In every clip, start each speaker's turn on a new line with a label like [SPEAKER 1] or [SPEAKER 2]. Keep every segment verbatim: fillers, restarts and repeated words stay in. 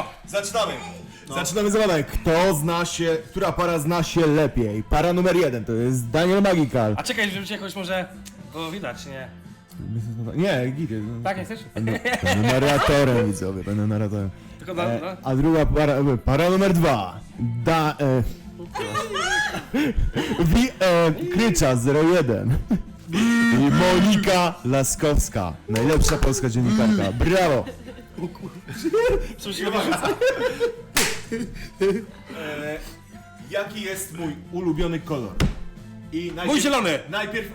[SPEAKER 1] zaczynamy. No. Zaczynamy zabawę. Kto zna się, która para zna się lepiej? Para numer jeden to jest Daniel Magical.
[SPEAKER 2] A czekaj, żeby cię jakoś może było widać, nie?
[SPEAKER 1] Nie, giry.
[SPEAKER 2] Tak, nie chcesz?
[SPEAKER 1] Będę, będę narratorem, widzowie, będę narratorem.
[SPEAKER 2] Tylko na,
[SPEAKER 1] E,
[SPEAKER 2] no.
[SPEAKER 1] a druga para, e, para numer dwa. Da... E, Wi, e, Krycza zero jeden. I Monika Laskowska. Najlepsza polska dziennikarka. Brawo! E, jaki jest mój ulubiony kolor? I najpierw,
[SPEAKER 2] Mój zielony!
[SPEAKER 1] Najpierw...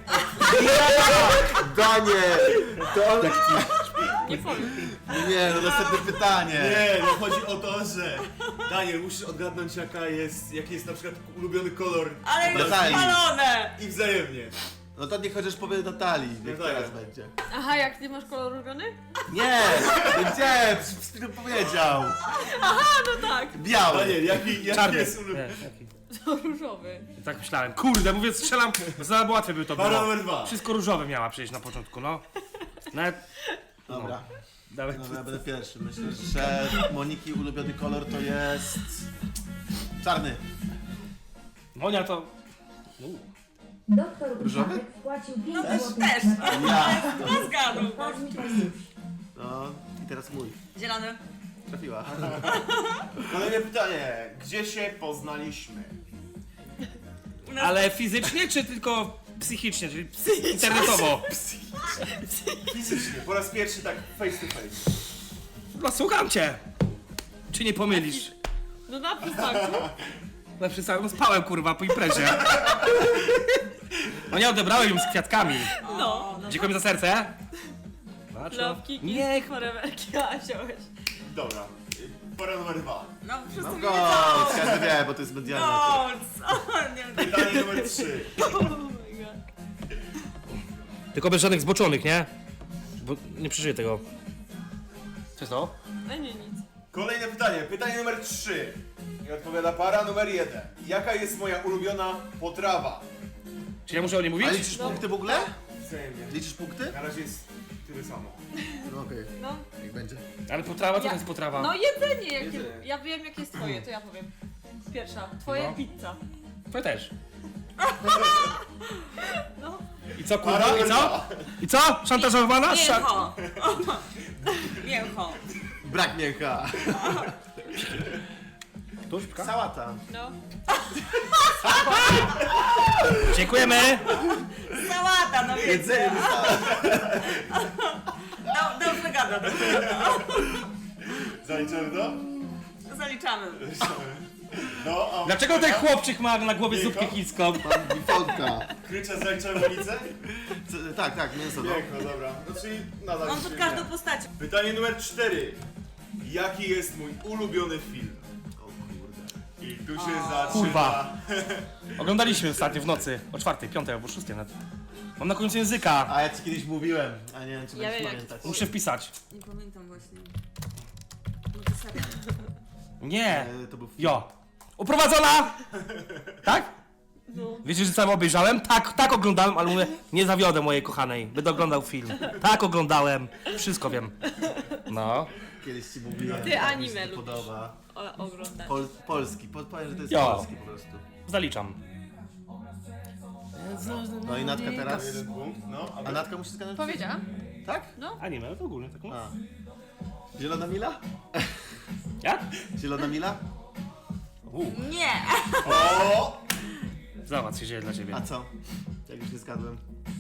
[SPEAKER 3] Daniel! To...
[SPEAKER 4] Nie powiem.
[SPEAKER 3] Nie, no następne pytanie.
[SPEAKER 1] Nie, no chodzi o to, że Daniel, musisz odgadnąć jaka jest, jaki jest na przykład ulubiony kolor
[SPEAKER 4] Ale już
[SPEAKER 3] Natalii.
[SPEAKER 4] spalone!
[SPEAKER 1] i wzajemnie.
[SPEAKER 3] No to niech chociaż powie Natalii, niech
[SPEAKER 1] No
[SPEAKER 3] teraz
[SPEAKER 1] tak.
[SPEAKER 3] będzie.
[SPEAKER 4] Aha, jak nie masz kolor ulubiony?
[SPEAKER 3] Nie! Gdzie? Przed chwilą powiedział.
[SPEAKER 4] Aha, no tak.
[SPEAKER 3] Biały.
[SPEAKER 1] Daniel, jaki, jaki
[SPEAKER 2] Czarny.
[SPEAKER 1] jest ulubiony?
[SPEAKER 2] Nie, jaki?
[SPEAKER 4] To różowy.
[SPEAKER 2] Tak myślałem. Kurde, mówię, strzelam, za łatwe by to
[SPEAKER 1] Para
[SPEAKER 2] było.
[SPEAKER 1] numer dwa.
[SPEAKER 2] Wszystko różowe miała przyjść na początku, no. Nawet...
[SPEAKER 3] Dobra,
[SPEAKER 2] Dawaj.
[SPEAKER 3] dobra, ja będę pierwszy. Myślę, że Moniki ulubiony kolor to jest... czarny.
[SPEAKER 2] Monia to...
[SPEAKER 5] Doktor
[SPEAKER 3] Różowy?
[SPEAKER 5] Uszadek wpłacił pięć
[SPEAKER 4] No też,
[SPEAKER 5] złotych
[SPEAKER 4] też.
[SPEAKER 5] na
[SPEAKER 3] Ja.
[SPEAKER 4] No zgadł.
[SPEAKER 5] Kazimierz.
[SPEAKER 3] No i teraz mój.
[SPEAKER 4] Zielony.
[SPEAKER 3] Trafiła.
[SPEAKER 1] Kolejne pytanie. Gdzie się poznaliśmy?
[SPEAKER 4] U nas
[SPEAKER 2] Ale fizycznie, czy tylko psychicznie, czyli internetowo?
[SPEAKER 1] Fizycznie, po raz pierwszy tak face to face.
[SPEAKER 2] No słucham cię. Czy nie pomylisz?
[SPEAKER 4] No na przystanku.
[SPEAKER 2] Na przykład, no spałem kurwa po imprezie. No nie odebrałem ją z kwiatkami.
[SPEAKER 4] No.
[SPEAKER 2] Dziękuję za serce. Patrz, no.
[SPEAKER 4] Love, kiki,
[SPEAKER 2] Niech...
[SPEAKER 4] foreverki, a wziąłeś.
[SPEAKER 1] Dobra. Para numer dwa.
[SPEAKER 4] No wszyscy
[SPEAKER 3] No
[SPEAKER 4] no,
[SPEAKER 3] go,
[SPEAKER 4] wiedzą.
[SPEAKER 3] każdy wie, bo to jest medialne.
[SPEAKER 4] No, co? Nie wiem.
[SPEAKER 1] Pytanie numer trzy.
[SPEAKER 4] Oh my god.
[SPEAKER 2] Tylko bez żadnych zboczonych, nie? Bo nie przeżyję tego. Co jest to?
[SPEAKER 4] No nie, nic.
[SPEAKER 1] Kolejne pytanie. Pytanie numer trzy. I odpowiada para numer jeden. Jaka jest moja ulubiona potrawa?
[SPEAKER 2] Czy ja muszę o niej mówić?
[SPEAKER 3] A liczysz punkty w ogóle?
[SPEAKER 1] Wzajemnie.
[SPEAKER 3] Liczysz punkty?
[SPEAKER 1] Na razie jest tyle samo.
[SPEAKER 3] No okej,
[SPEAKER 4] No.
[SPEAKER 3] niech będzie.
[SPEAKER 2] Ale potrawa, co
[SPEAKER 4] Ja-
[SPEAKER 2] to jest potrawa?
[SPEAKER 4] No jedzenie jakie.
[SPEAKER 1] Jedzenie.
[SPEAKER 4] Ja wiem jakie jest twoje, to ja powiem. Pierwsza. Twoje
[SPEAKER 2] No.
[SPEAKER 4] pizza.
[SPEAKER 2] To też.
[SPEAKER 4] No.
[SPEAKER 2] I co
[SPEAKER 1] Para
[SPEAKER 2] kurwa? I
[SPEAKER 1] numer
[SPEAKER 2] co?
[SPEAKER 1] dwa.
[SPEAKER 2] I co? Szantażowana? Sza...
[SPEAKER 4] Mięcho. Mięcho.
[SPEAKER 3] Brak mięcha.
[SPEAKER 2] Tuszka?
[SPEAKER 3] Sałata.
[SPEAKER 4] No.
[SPEAKER 2] Dziękujemy!
[SPEAKER 4] Sałata, no wiecie.
[SPEAKER 3] Jedzenie
[SPEAKER 4] No, dobrze gada, dobrze gada.
[SPEAKER 1] Zaliczymy to?
[SPEAKER 4] Zaliczamy.
[SPEAKER 1] No, a
[SPEAKER 2] Dlaczego ten chłopczyk ma na głowie
[SPEAKER 1] Miękko?
[SPEAKER 2] zupkę chińską?
[SPEAKER 3] Bifonka.
[SPEAKER 1] Kryczę zaliczamy ulicę?
[SPEAKER 3] C- Tak, tak, mięso. No.
[SPEAKER 1] Piękno, dobra. No czyli nadal
[SPEAKER 4] On
[SPEAKER 1] się
[SPEAKER 4] pod
[SPEAKER 1] nie.
[SPEAKER 4] każdą postacią.
[SPEAKER 1] Pytanie numer cztery. Jaki jest mój ulubiony film?
[SPEAKER 3] O kurde.
[SPEAKER 1] I tu się zaczyna...
[SPEAKER 2] Kurwa. Oglądaliśmy ostatnio w nocy, o czwartej, piątej albo szóstej nawet. Mam na końcu języka.
[SPEAKER 3] A ja ci kiedyś mówiłem, a nie wiem czy
[SPEAKER 4] Ja
[SPEAKER 3] będziesz
[SPEAKER 4] wiem, jak
[SPEAKER 3] pamiętać.
[SPEAKER 2] Muszę wpisać.
[SPEAKER 4] Nie pamiętam właśnie. No to serio.
[SPEAKER 2] Nie.
[SPEAKER 3] E, To był film.
[SPEAKER 2] Jo. Uprowadzona! Tak?
[SPEAKER 4] No.
[SPEAKER 2] Wiecie, że cały obejrzałem? Tak, tak oglądałem, ale mówię, nie zawiodę mojej kochanej. Będę oglądał film. Tak oglądałem. Wszystko wiem. No.
[SPEAKER 3] Kiedyś ci mówiłem,
[SPEAKER 4] Ty
[SPEAKER 3] że mi
[SPEAKER 4] anime
[SPEAKER 3] się to
[SPEAKER 4] lubisz.
[SPEAKER 3] podoba.
[SPEAKER 4] O, oglądać.
[SPEAKER 3] Pol polski, po powiem, że to jest
[SPEAKER 2] Jo.
[SPEAKER 3] polski po prostu.
[SPEAKER 2] Zaliczam.
[SPEAKER 3] No i Natka teraz.
[SPEAKER 1] Jeden punkt, no. A
[SPEAKER 3] A Natka musi zgadnąć?
[SPEAKER 4] Powiedziałam?
[SPEAKER 3] Tak?
[SPEAKER 2] Anime, to ogólnie tak mówię.
[SPEAKER 3] A. Zielona Mila?
[SPEAKER 2] Jak?
[SPEAKER 3] Zielona Mila?
[SPEAKER 4] Nie!
[SPEAKER 1] O!
[SPEAKER 2] Zobacz, się dzieje dla ciebie.
[SPEAKER 3] A co? Jak już nie zgadłem.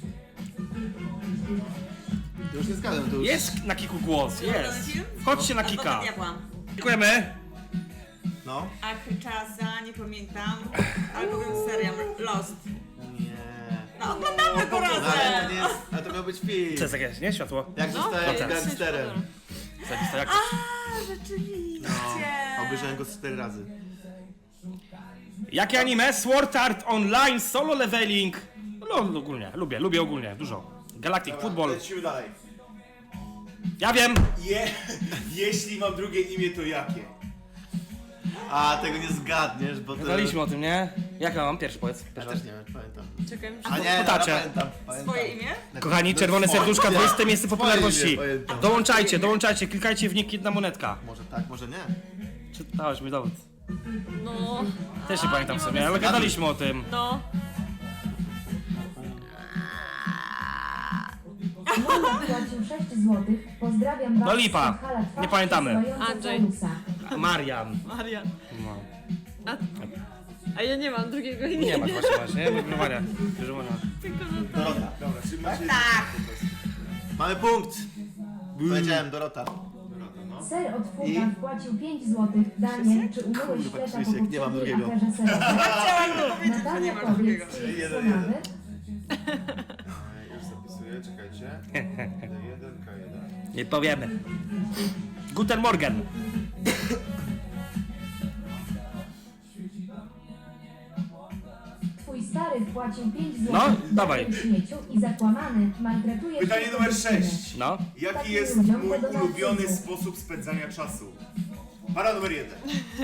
[SPEAKER 3] To już nie zgadłem, to już...
[SPEAKER 2] Jest na kiku głos, jest.
[SPEAKER 4] film?
[SPEAKER 2] Chodźcie na
[SPEAKER 4] Adwokat
[SPEAKER 2] kika.
[SPEAKER 4] diabła.
[SPEAKER 2] Dziękujemy.
[SPEAKER 3] No?
[SPEAKER 4] Achyczaza, nie pamiętam. Albo wiem serial Lost.
[SPEAKER 3] Nie.
[SPEAKER 4] No oglądamy go
[SPEAKER 3] No, ale to
[SPEAKER 4] razem!
[SPEAKER 3] nie jest... A to miał być film.
[SPEAKER 2] Co jest jakieś, nie? Światło.
[SPEAKER 3] Jak
[SPEAKER 4] No,
[SPEAKER 3] zostałem
[SPEAKER 4] to jest
[SPEAKER 3] gangsterem.
[SPEAKER 4] super.
[SPEAKER 2] Zajebista jak.
[SPEAKER 4] A, rzeczywiście!
[SPEAKER 3] No, obejrzałem go z cztery razy.
[SPEAKER 2] Jakie anime? Sword Art Online, Solo Leveling. No ogólnie, lubię, lubię ogólnie, dużo. Galactic Football.
[SPEAKER 1] Lecimy dalej.
[SPEAKER 2] Ja wiem.
[SPEAKER 1] Je, jeśli mam drugie imię, to jakie?
[SPEAKER 3] A, tego nie zgadniesz, bo to...
[SPEAKER 2] Gadaliśmy o tym, nie? Jak ja mam pierwszy powiedz?
[SPEAKER 3] Ja też nie wiem, pamiętam.
[SPEAKER 4] Czekaj,
[SPEAKER 3] A nie,
[SPEAKER 2] Potacie.
[SPEAKER 3] no, pamiętam, pamiętam.
[SPEAKER 4] swoje imię?
[SPEAKER 2] Kochani, czerwone
[SPEAKER 3] Swoje.
[SPEAKER 2] serduszka, dwudzieste miejsce
[SPEAKER 3] Swoje
[SPEAKER 2] popularności.
[SPEAKER 3] imię pamiętam.
[SPEAKER 2] Dołączajcie, dołączajcie, klikajcie w nick, jedna monetka.
[SPEAKER 3] Może tak, może nie.
[SPEAKER 2] Czytałeś mi dowód.
[SPEAKER 6] No.
[SPEAKER 2] Też nie
[SPEAKER 6] A,
[SPEAKER 2] pamiętam
[SPEAKER 6] nie
[SPEAKER 2] sobie,
[SPEAKER 6] mogę
[SPEAKER 2] ale
[SPEAKER 6] sobie-
[SPEAKER 2] gadaliśmy o tym.
[SPEAKER 6] No.
[SPEAKER 5] Monik płacił sześć złotych. Pozdrawiam bardzo.
[SPEAKER 2] No lipa.
[SPEAKER 5] Hala twarz
[SPEAKER 2] Nie pamiętamy.
[SPEAKER 5] przysłająca
[SPEAKER 6] Andrzej.
[SPEAKER 5] całusa.
[SPEAKER 2] Marian.
[SPEAKER 6] Maria.
[SPEAKER 2] No.
[SPEAKER 6] A, a ja nie mam drugiego imienia.
[SPEAKER 2] Nie masz właśnie, właśnie. Ja mówię Maria. Bierze Maria.
[SPEAKER 6] Tylko, że to...
[SPEAKER 3] Dorota.
[SPEAKER 1] Dobra, czyli macie...
[SPEAKER 4] Tak.
[SPEAKER 3] Mamy punkt. Powiedziałem Dorota.
[SPEAKER 5] Ser od
[SPEAKER 3] I?
[SPEAKER 5] futa wpłacił pięć złotych. Daniel, czy umyłeś
[SPEAKER 3] Kurwa,
[SPEAKER 5] fleta po
[SPEAKER 3] Krzysiek, nie mam
[SPEAKER 5] poprzedniej
[SPEAKER 3] drugiego.
[SPEAKER 5] aferze serowej?
[SPEAKER 4] Chciałam to powiedzieć, że nie
[SPEAKER 5] Natalia,
[SPEAKER 4] masz
[SPEAKER 5] powiedz,
[SPEAKER 4] drugiego.
[SPEAKER 5] czy jest
[SPEAKER 1] Jeden,
[SPEAKER 5] to
[SPEAKER 1] jeden.
[SPEAKER 5] nawet?
[SPEAKER 1] Już zapisuję, czekajcie. D jeden, K jeden.
[SPEAKER 2] Nie powiemy. Guten Morgen.
[SPEAKER 5] Twój stary wpłacił pięć
[SPEAKER 2] No,
[SPEAKER 5] złotych.
[SPEAKER 2] dawaj.
[SPEAKER 5] Daniel śmieciu i zakłamany maltretuje
[SPEAKER 1] Pytanie
[SPEAKER 5] się
[SPEAKER 1] numer
[SPEAKER 5] dziewczynę.
[SPEAKER 1] sześć.
[SPEAKER 2] No.
[SPEAKER 1] Jaki jest mój ulubiony sposób spędzania czasu? Para numer jeden.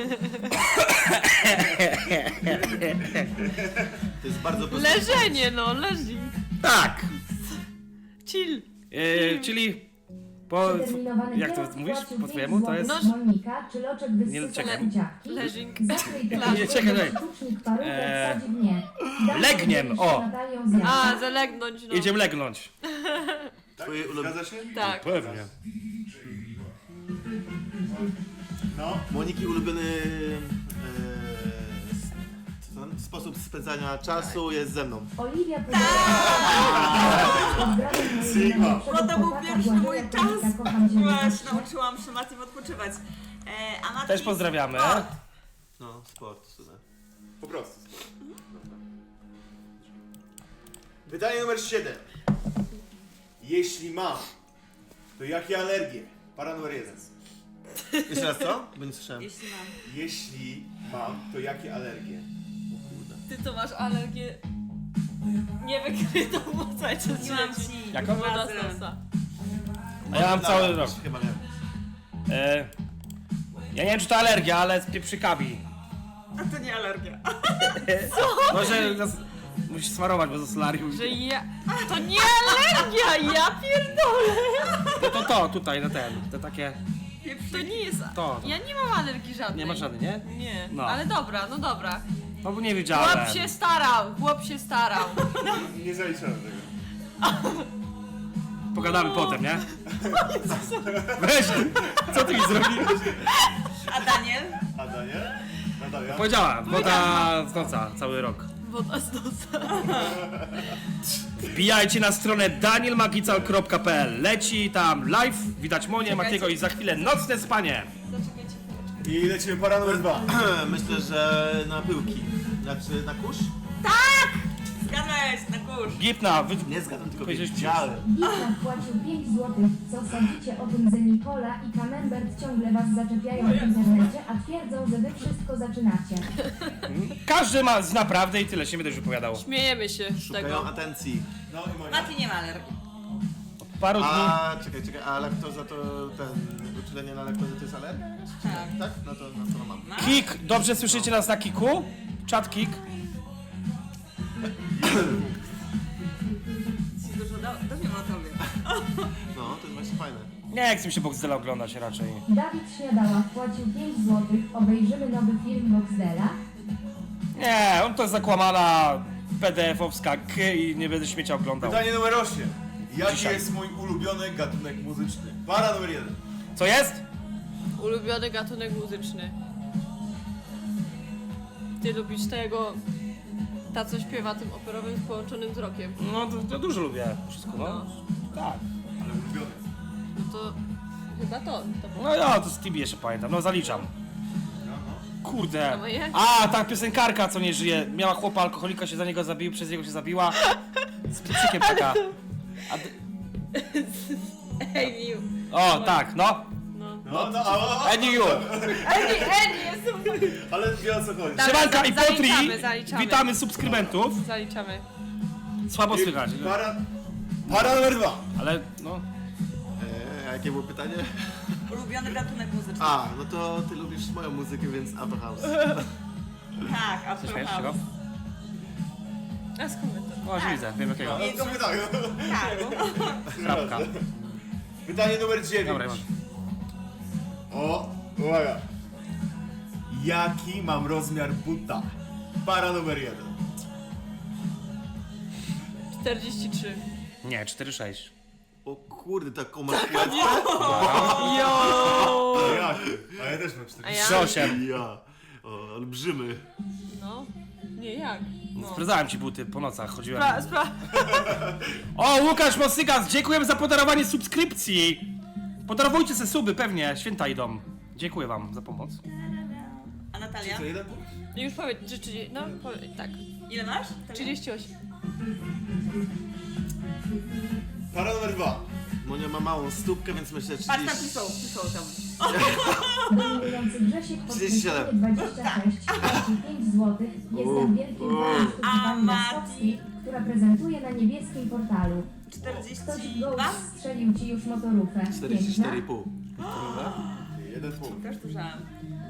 [SPEAKER 3] To jest bardzo proste.
[SPEAKER 6] Leżenie, no, leżing.
[SPEAKER 2] Tak.
[SPEAKER 6] Chill.
[SPEAKER 2] Yy, czyli po...
[SPEAKER 5] Przeterminowany
[SPEAKER 2] Jak to
[SPEAKER 5] kierow
[SPEAKER 2] mówisz
[SPEAKER 5] wpłacił
[SPEAKER 2] po
[SPEAKER 5] pięć
[SPEAKER 2] twojemu? To jest...
[SPEAKER 5] złotych. Monika, czy loczek
[SPEAKER 2] Nie,
[SPEAKER 5] wysysa
[SPEAKER 2] czekaj.
[SPEAKER 5] buziaki?
[SPEAKER 6] Leżing.
[SPEAKER 5] Zakryj te
[SPEAKER 6] Nie,
[SPEAKER 5] oczy,
[SPEAKER 2] czekaj, czekaj.
[SPEAKER 5] sztucznik parówek
[SPEAKER 2] Eee,
[SPEAKER 5] wsadzi w nie. Daniel
[SPEAKER 2] legniem,
[SPEAKER 5] dzieli
[SPEAKER 2] o.
[SPEAKER 5] się Natalią z Jackiem.
[SPEAKER 6] A, zalegnąć, no.
[SPEAKER 2] Jedziemy legnąć.
[SPEAKER 3] Twoje ulubione.
[SPEAKER 1] Zgadza się?
[SPEAKER 6] Tak.
[SPEAKER 2] Pewnie.
[SPEAKER 1] No.
[SPEAKER 3] Moniki ulubiony e, s- co tam? Sposób spędzania czasu jest ze mną.
[SPEAKER 5] Oliwia
[SPEAKER 1] Sigma.
[SPEAKER 4] Bo to był pierwszy mój czas. Właśnie
[SPEAKER 5] czas.
[SPEAKER 4] nauczyłam się Matim odpoczywać. E, a Mati...
[SPEAKER 2] Też pozdrawiamy.
[SPEAKER 4] O,
[SPEAKER 3] No, sport, super.
[SPEAKER 1] Po prostu. Dobra. Pytanie numer siedem. Jeśli mam, to jakie alergie? Para numer jeden.
[SPEAKER 3] Jeszcze raz co? Bo nie słyszałem.
[SPEAKER 4] jeśli mam.
[SPEAKER 1] Jeśli mam, to jakie alergie?
[SPEAKER 6] Ty to masz alergię... Niewykrytą, bo cały czas
[SPEAKER 4] Nie mam
[SPEAKER 6] leci.
[SPEAKER 4] ci.
[SPEAKER 2] Jaką?
[SPEAKER 6] Woda z nosa.
[SPEAKER 2] A ja mam cały rok.
[SPEAKER 3] Chyba nie.
[SPEAKER 2] E, ja nie wiem, czy to alergia, ale z pieprzykami.
[SPEAKER 4] A to nie alergia.
[SPEAKER 2] Może nas, musisz smarować, bo to solarium.
[SPEAKER 6] Że ja... To nie alergia, ja pierdolę.
[SPEAKER 2] To, to, to tutaj, na ten. To takie.
[SPEAKER 6] To nie jest...
[SPEAKER 2] To.
[SPEAKER 6] Ja nie mam alergii żadnej.
[SPEAKER 2] Nie masz żadnej, nie?
[SPEAKER 6] Nie,
[SPEAKER 2] No.
[SPEAKER 6] ale dobra, no dobra.
[SPEAKER 2] No bo nie wiedziałem.
[SPEAKER 6] Chłop się starał, chłop się starał.
[SPEAKER 1] Nie zaliczałem tego.
[SPEAKER 2] Pogadamy potem, nie? Weź, co ty mi zrobiłeś?
[SPEAKER 4] A Daniel?
[SPEAKER 1] A Daniel? Natalia?
[SPEAKER 2] Powiedziała, woda z noca, cały rok.
[SPEAKER 6] Woda z nosa.
[SPEAKER 2] Wbijajcie na stronę daniel magical kropka p l. Leci tam live, widać Monię, Matiego i za chwilę nocne spanie.
[SPEAKER 6] Zaczekajcie chwileczkę.
[SPEAKER 1] I lecimy para numer dwa.
[SPEAKER 3] Myślę, że na pyłki. Znaczy na kurz?
[SPEAKER 4] Zgadłeś, na kurz.
[SPEAKER 2] Gipna, wy...
[SPEAKER 3] Nie zgadzam, tylko
[SPEAKER 2] Powiedziałeś
[SPEAKER 3] wiedziałem.
[SPEAKER 5] Gita wpłacił pięć złotych. Co sądzicie o tym, że Nikola i Camembert ciągle was zaczepiają w internecie, a twierdzą, że wy wszystko zaczynacie?
[SPEAKER 2] Każdy ma z naprawdę i tyle się będę już wypowiadał.
[SPEAKER 6] Śmiejemy się z
[SPEAKER 3] Szukają
[SPEAKER 6] tego.
[SPEAKER 3] atencji.
[SPEAKER 1] No i Monia.
[SPEAKER 4] Mati nie ma alergii.
[SPEAKER 2] Paru dni.
[SPEAKER 3] A czekaj, czekaj, a laktoza to ten uczulenie na laktozę to jest alergia? jakaś? Czy
[SPEAKER 4] Tak.
[SPEAKER 3] nie? Tak? No to, no to mam.
[SPEAKER 4] No.
[SPEAKER 2] Kik, dobrze słyszycie nas na kiku? Chat kik.
[SPEAKER 4] Ci dużo do, dowiem o tobie.
[SPEAKER 3] No, to jest właśnie fajne.
[SPEAKER 2] Nie chcę mi się Boxdela oglądać raczej.
[SPEAKER 5] Dawid Śniadała wpłacił pięć złotych. Obejrzymy nowy film Boxdela.
[SPEAKER 2] Nie, on to jest zakłamana P D F-owska k i nie będę śmiecia oglądał.
[SPEAKER 1] Pytanie numer osiem. Jaki
[SPEAKER 2] Dzisiaj.
[SPEAKER 1] jest mój ulubiony gatunek muzyczny? Para numer jeden.
[SPEAKER 2] Co jest?
[SPEAKER 6] Ulubiony gatunek muzyczny. Ty lubisz tego... Ta, co śpiewa tym operowym z połączonym wzrokiem.
[SPEAKER 2] No to, to dużo lubię wszystko, no.
[SPEAKER 6] No.
[SPEAKER 2] Tak.
[SPEAKER 1] Ale ulubiony.
[SPEAKER 6] No to... Chyba to. to
[SPEAKER 2] No ja to z Tibi jeszcze pamiętam, no zaliczam.
[SPEAKER 6] A
[SPEAKER 2] Kurde.
[SPEAKER 6] moje?
[SPEAKER 2] A, ta piosenkarka co nie żyje. Miała chłopa alkoholika, się za niego zabił, przez niego się zabiła. Z pieprzykiem taka. A, d-
[SPEAKER 6] Ej, Miu.
[SPEAKER 2] o, tak, no.
[SPEAKER 6] No.
[SPEAKER 1] No, no, a, a,
[SPEAKER 2] Eniu.
[SPEAKER 6] Ej, Ej, jest super.
[SPEAKER 1] ale wie o co chodzi.
[SPEAKER 6] Dobra,
[SPEAKER 2] Siemanka i
[SPEAKER 6] zaliczamy,
[SPEAKER 2] Potri.
[SPEAKER 6] zaliczamy.
[SPEAKER 2] Witamy subskrybentów.
[SPEAKER 6] Zaliczamy.
[SPEAKER 2] Słabo słychać.
[SPEAKER 1] Para, para numer dwa.
[SPEAKER 2] Ale no.
[SPEAKER 3] Eee, a jakie było pytanie?
[SPEAKER 4] Ulubiony gatunek muzyczny.
[SPEAKER 3] A, no to ty lubisz moją muzykę, więc Auto House.
[SPEAKER 4] Tak, a
[SPEAKER 2] Śmiesz się go?
[SPEAKER 6] A skąd wy to?
[SPEAKER 2] O, już widzę, wiem jakiego.
[SPEAKER 3] No, w sumie tak, no.
[SPEAKER 4] Tak.
[SPEAKER 2] Chrapka.
[SPEAKER 3] Pytanie numer dziewięć.
[SPEAKER 2] Dobra, Iwan.
[SPEAKER 3] O, uwaga. Jaki mam rozmiar buta? Para numer jeden.
[SPEAKER 6] czterdzieści trzy.
[SPEAKER 2] Nie, cztery sześć.
[SPEAKER 3] O kurde, taką masz płetwę?
[SPEAKER 6] Jo!
[SPEAKER 3] A jak? A ja też mam
[SPEAKER 6] A
[SPEAKER 3] cztery.
[SPEAKER 6] ja?
[SPEAKER 2] trzy osiem.
[SPEAKER 3] Ja. O, olbrzymy.
[SPEAKER 6] No. Nie, jak? No.
[SPEAKER 2] Sprawdzałem ci buty, po nocach chodziłem.
[SPEAKER 6] Spra spra
[SPEAKER 2] O, Łukasz Mosygas, dziękujemy za podarowanie subskrypcji. Podarowujcie se suby, pewnie, święta idą. Dziękuję wam za pomoc.
[SPEAKER 4] A Natalia?
[SPEAKER 3] To jeden punkt?
[SPEAKER 6] Już powiedz, że trzydzieści... No, powiedz, tak.
[SPEAKER 4] Ile masz? Natalia?
[SPEAKER 6] trzydzieści osiem.
[SPEAKER 3] Para numer dwa. Monia ma małą stópkę, więc myślę, że
[SPEAKER 4] Patrz tam,
[SPEAKER 3] trzydzieści...
[SPEAKER 4] pisał, pisał tam.
[SPEAKER 5] Dominujący Grzesiek
[SPEAKER 3] trzydzieści siedem.
[SPEAKER 5] dwadzieścia sześć, płaci pięć złotych. Jestem wielkim fanem sztuki
[SPEAKER 4] A
[SPEAKER 5] pani Laskowskiej, która prezentuje na niebieskim portalu. Ktoś
[SPEAKER 4] czterdzieści
[SPEAKER 5] go
[SPEAKER 4] dwa?
[SPEAKER 5] strzelił ci już motorówkę.
[SPEAKER 3] czterdzieści cztery i
[SPEAKER 5] Piękna?
[SPEAKER 3] pół. Jeden punkt.
[SPEAKER 4] Też dużałem.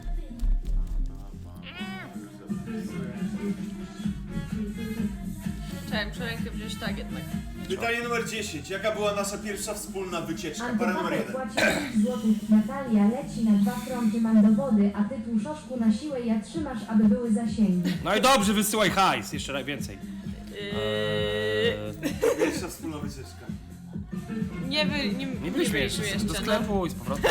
[SPEAKER 6] Chciałem przełękę wziąć tak jednak.
[SPEAKER 3] Pytanie numer dziesięć. Jaka była nasza pierwsza wspólna wycieczka? Para numer
[SPEAKER 5] Antypater
[SPEAKER 3] jeden.
[SPEAKER 5] płaci pięć złotych. Natalia leci na dwa fronty, mam dowody, a tytuł Szoszku na siłę ja trzymasz, aby były zasięgi.
[SPEAKER 2] No i dobrze, wysyłaj hajs, jeszcze raz więcej.
[SPEAKER 6] Yy,
[SPEAKER 3] Pierwsza wspólna wycieczka.
[SPEAKER 6] nie, wy, nie,
[SPEAKER 2] Nie byliśmy jeszcze, do sklepu i z powrotem.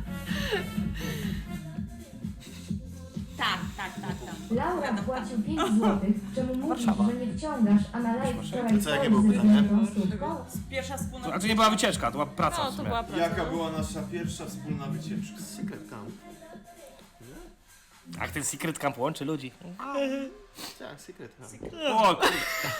[SPEAKER 4] Tak, tak, tak, tak.
[SPEAKER 5] Laura płacił pięć złotych, czemu mówisz,
[SPEAKER 2] Warszawa.
[SPEAKER 5] że nie wciągasz, a na live wczoraj
[SPEAKER 3] Co, jakie
[SPEAKER 5] stoi
[SPEAKER 3] było
[SPEAKER 5] ze
[SPEAKER 3] pytanie?
[SPEAKER 5] zdjętą stópką?
[SPEAKER 4] Pierwsza wspólna...
[SPEAKER 2] To znaczy nie była wycieczka, to była praca
[SPEAKER 6] No,
[SPEAKER 2] w
[SPEAKER 6] to
[SPEAKER 2] sumie.
[SPEAKER 6] była praca.
[SPEAKER 3] Jaka
[SPEAKER 6] no.
[SPEAKER 3] była nasza pierwsza wspólna wycieczka? Secret Camp.
[SPEAKER 2] Ach, ten Secret Camp łączy ludzi.
[SPEAKER 3] Tak, Secret Camp.
[SPEAKER 2] O, kurde.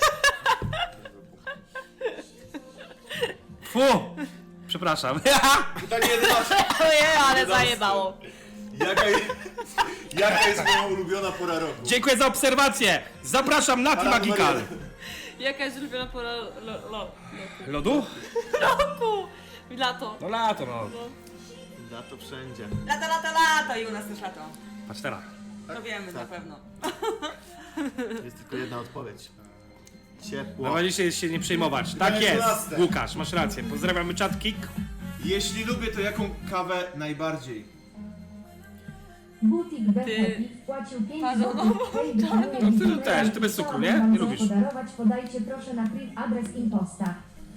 [SPEAKER 2] Fu! Przepraszam.
[SPEAKER 3] Pytanie jedenaście.
[SPEAKER 6] Ojej, ale zajebało.
[SPEAKER 3] Jaka, je, jaka jest moja ulubiona pora roku?
[SPEAKER 2] Dziękuję za obserwację. Zapraszam na
[SPEAKER 3] Para numer
[SPEAKER 2] Magical.
[SPEAKER 3] jeden.
[SPEAKER 6] Jaka jest ulubiona pora lo, lo, lo,
[SPEAKER 2] Lodu?
[SPEAKER 6] roku? Lato.
[SPEAKER 2] No lato, no.
[SPEAKER 3] Lato wszędzie.
[SPEAKER 4] Lata, lata, lata i u nas też lato.
[SPEAKER 2] Patrz teraz.
[SPEAKER 4] To wiemy na
[SPEAKER 3] Tak.
[SPEAKER 4] pewno.
[SPEAKER 3] Jest tylko jedna odpowiedź. Ciepło.
[SPEAKER 2] Mamy dzisiaj się nie przejmować. Tak
[SPEAKER 3] Pytanie
[SPEAKER 2] jest.
[SPEAKER 3] dwunaste.
[SPEAKER 2] Łukasz, masz rację. Pozdrawiamy czat Kik.
[SPEAKER 3] Jeśli lubię, to jaką kawę najbardziej?
[SPEAKER 5] Butik
[SPEAKER 6] Ty-
[SPEAKER 5] Behepi wpłacił pięć
[SPEAKER 6] Pardon,
[SPEAKER 5] złotych. Hej, wykonuję
[SPEAKER 2] No ty
[SPEAKER 5] wizytę
[SPEAKER 2] też,
[SPEAKER 5] i
[SPEAKER 2] ty bez cukru, nie?
[SPEAKER 5] chciałabym
[SPEAKER 2] Nie
[SPEAKER 5] wam
[SPEAKER 2] lubisz.
[SPEAKER 5] coś podarować. Podajcie proszę na priv adres imposta.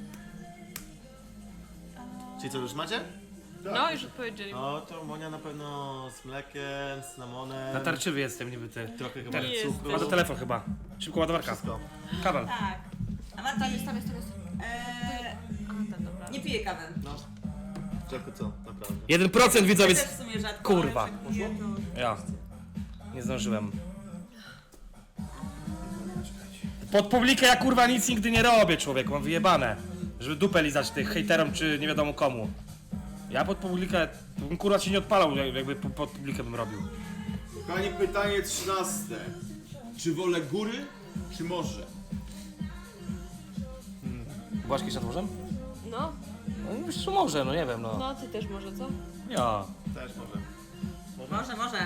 [SPEAKER 3] Czyli co, już macie?
[SPEAKER 6] No, już odpowiedzieli.
[SPEAKER 3] No to Monia na pewno z mlekiem, z cynamonem.
[SPEAKER 2] Natarczywy jestem niby ty.
[SPEAKER 3] Trochę chyba
[SPEAKER 6] Nie
[SPEAKER 3] cukru.
[SPEAKER 2] Ma do telefon chyba. Szybko ładowarka.
[SPEAKER 3] Wszystko.
[SPEAKER 2] Kabel.
[SPEAKER 4] Tak. A Marta jest tam, jest tam, jest tam. Eee,
[SPEAKER 6] A, ten, dobra.
[SPEAKER 4] nie piję kawy.
[SPEAKER 3] No. Czego co? Naprawdę.
[SPEAKER 2] jeden procent
[SPEAKER 4] Ja
[SPEAKER 2] widzowie.
[SPEAKER 4] też w sumie rzadko,
[SPEAKER 2] Kurwa.
[SPEAKER 4] ale jak piję, to...
[SPEAKER 2] Ja. Nie zdążyłem. Pod publikę ja kurwa nic nigdy nie robię, człowiek, mam wyjebane. Żeby dupę lizać tych hejterom czy nie wiadomo komu. Ja pod publikę, to bym kurwa się nie odpalał, jak- jakby po- pod publikę bym robił.
[SPEAKER 3] Kochani, pytanie trzynaste. Czy wolę góry, czy morze?
[SPEAKER 2] Błaszki nad morzem?
[SPEAKER 6] No,
[SPEAKER 2] No myślę, że może, no nie wiem, no.
[SPEAKER 6] no ty też może, co?
[SPEAKER 2] Ja.
[SPEAKER 3] Też może.
[SPEAKER 4] Może, może.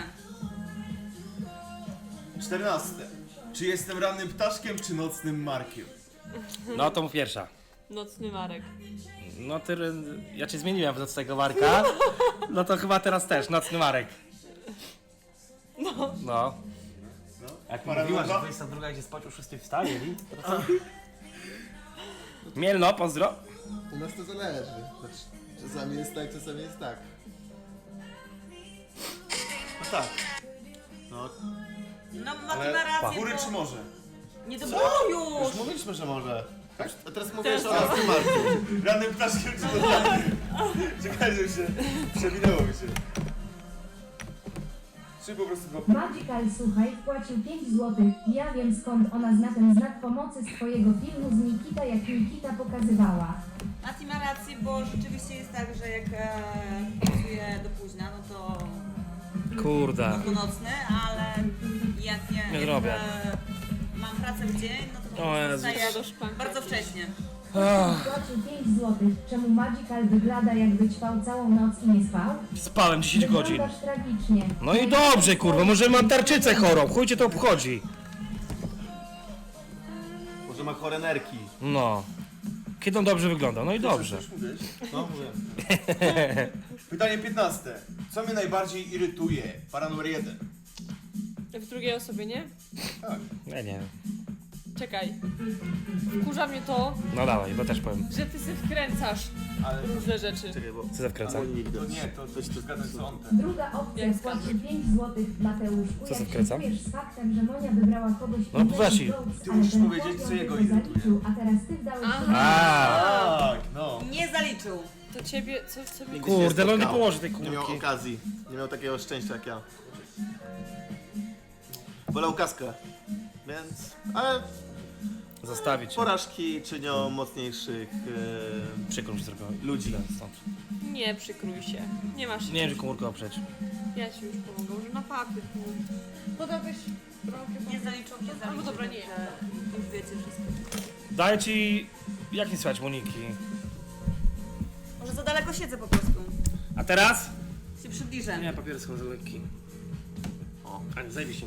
[SPEAKER 3] czternaste. Czy jestem rannym ptaszkiem, czy nocnym markiem?
[SPEAKER 2] No to mów pierwsza.
[SPEAKER 6] Nocny Marek.
[SPEAKER 2] No ty, ja cię zmieniłem z tego Marka. No to chyba teraz też, nocny Marek.
[SPEAKER 6] No.
[SPEAKER 2] No.
[SPEAKER 3] No.
[SPEAKER 2] Jak
[SPEAKER 3] Para
[SPEAKER 2] mówiłaś,
[SPEAKER 3] numer
[SPEAKER 2] że
[SPEAKER 3] dwa?
[SPEAKER 2] dwudziesta druga idzie spać o szóstej wstaje, i to co? Mielno, pozdro.
[SPEAKER 7] U nas to zależy. Znaczy, czasami jest tak, czasami jest tak.
[SPEAKER 3] No tak. No,
[SPEAKER 4] No, Mati
[SPEAKER 3] ale
[SPEAKER 4] ma rację,
[SPEAKER 3] góry
[SPEAKER 4] bo...
[SPEAKER 3] czy morze?
[SPEAKER 4] Nie do... O,
[SPEAKER 3] Już
[SPEAKER 4] już!
[SPEAKER 3] mówiliśmy, że może. A teraz mówię,
[SPEAKER 6] Teraz
[SPEAKER 3] że o nocnym marku. Rannym ptaszkiem, czy nocnym? Czekaj, że się przewinęło mi się. Czy po prostu go...
[SPEAKER 5] Magical, słuchaj, wpłacił pięć złotych. Ja wiem skąd ona zna ten znak pomocy z twojego filmu z Nikita, jak Nikita pokazywała.
[SPEAKER 4] Mati ma rację, bo rzeczywiście jest tak, że jak e, pracuję do późna, no to...
[SPEAKER 2] Kurde.
[SPEAKER 4] No to nocny, ale jak nie...
[SPEAKER 2] Nie
[SPEAKER 4] jak,
[SPEAKER 2] zrobię.
[SPEAKER 4] E, mam pracę w dzień, no to po
[SPEAKER 2] O
[SPEAKER 4] prostu
[SPEAKER 2] Jezu.
[SPEAKER 4] wstaję
[SPEAKER 6] Do szklanki
[SPEAKER 4] bardzo
[SPEAKER 6] jakiejś.
[SPEAKER 4] wcześnie.
[SPEAKER 5] Wpłacił pięć złotych. Czemu Magical wygląda jakby ćpał całą noc i nie spał?
[SPEAKER 2] Spałem dziesięć godzin.
[SPEAKER 5] Wyglądasz tragicznie.
[SPEAKER 2] No i dobrze, kurwa, może mam tarczycę chorą, chuj cię to obchodzi.
[SPEAKER 3] chore nerki.
[SPEAKER 2] No. Kiedy on dobrze wyglądał, no i dobrze.
[SPEAKER 3] Już mówiłeś? No, mówię.
[SPEAKER 7] Pytanie piętnaste. Co mnie najbardziej irytuje? Para numer jeden.
[SPEAKER 6] W drugiej osobie, nie?
[SPEAKER 2] Nie, nie.
[SPEAKER 6] Czekaj. Wkurza mnie to,
[SPEAKER 2] No dawaj, bo też powiem.
[SPEAKER 6] że ty się wkręcasz
[SPEAKER 7] Ale
[SPEAKER 6] różne rzeczy.
[SPEAKER 3] Czekaj, bo...
[SPEAKER 2] Co za wkręca?
[SPEAKER 3] Albo nie
[SPEAKER 7] to
[SPEAKER 3] widać.
[SPEAKER 7] nie, to coś tu zgadzam co on ten.
[SPEAKER 5] Druga opcja
[SPEAKER 6] Jak
[SPEAKER 5] płaci
[SPEAKER 6] skandal.
[SPEAKER 5] pięć złotych Mateuszku,
[SPEAKER 2] Co się
[SPEAKER 5] jak
[SPEAKER 2] wkręca?
[SPEAKER 5] się czujesz z faktem, że Monia wybrała kogoś
[SPEAKER 2] No,
[SPEAKER 5] innego
[SPEAKER 2] Wasi.
[SPEAKER 5] z Goats,
[SPEAKER 7] Ty
[SPEAKER 5] ale
[SPEAKER 7] musisz
[SPEAKER 5] ten
[SPEAKER 7] powiedzieć,
[SPEAKER 5] chłopiec
[SPEAKER 7] co jego
[SPEAKER 5] tylko
[SPEAKER 7] irytuje.
[SPEAKER 5] zaliczył, a teraz ty wdałeś
[SPEAKER 6] Aha.
[SPEAKER 5] się
[SPEAKER 2] A,
[SPEAKER 7] Tak, no.
[SPEAKER 4] Nie zaliczył.
[SPEAKER 6] To ciebie, co, co mi...
[SPEAKER 3] Nigdy się
[SPEAKER 2] Kurde, no nie
[SPEAKER 3] spotkał.
[SPEAKER 2] położy tej
[SPEAKER 3] Nie miał
[SPEAKER 2] kulki.
[SPEAKER 3] okazji. Nie miał takiego szczęścia jak ja. Wolał kaskę. Więc... Ale
[SPEAKER 2] Zostawić.
[SPEAKER 3] porażki czynią mocniejszych... E...
[SPEAKER 2] Przykro mi się zrobiło.
[SPEAKER 3] Ludzi.
[SPEAKER 2] Idę stąd.
[SPEAKER 6] Nie przykrój się. Nie masz
[SPEAKER 2] Nie wiem, że komórkę oprzeć.
[SPEAKER 6] Ja ci już pomogę, może na papier. Podałbyś trochę.
[SPEAKER 4] Nie zaliczył, nie zaliczył.
[SPEAKER 6] Albo dobra, nie.
[SPEAKER 4] także Już wiecie wszystko.
[SPEAKER 2] Daję ci... Jak nie słychać Moniki?
[SPEAKER 4] Może za daleko siedzę po prostu.
[SPEAKER 2] A teraz?
[SPEAKER 4] Się przybliżę.
[SPEAKER 2] Nie, papiery są za lekki.
[SPEAKER 3] O.
[SPEAKER 2] A nie, zajebiście.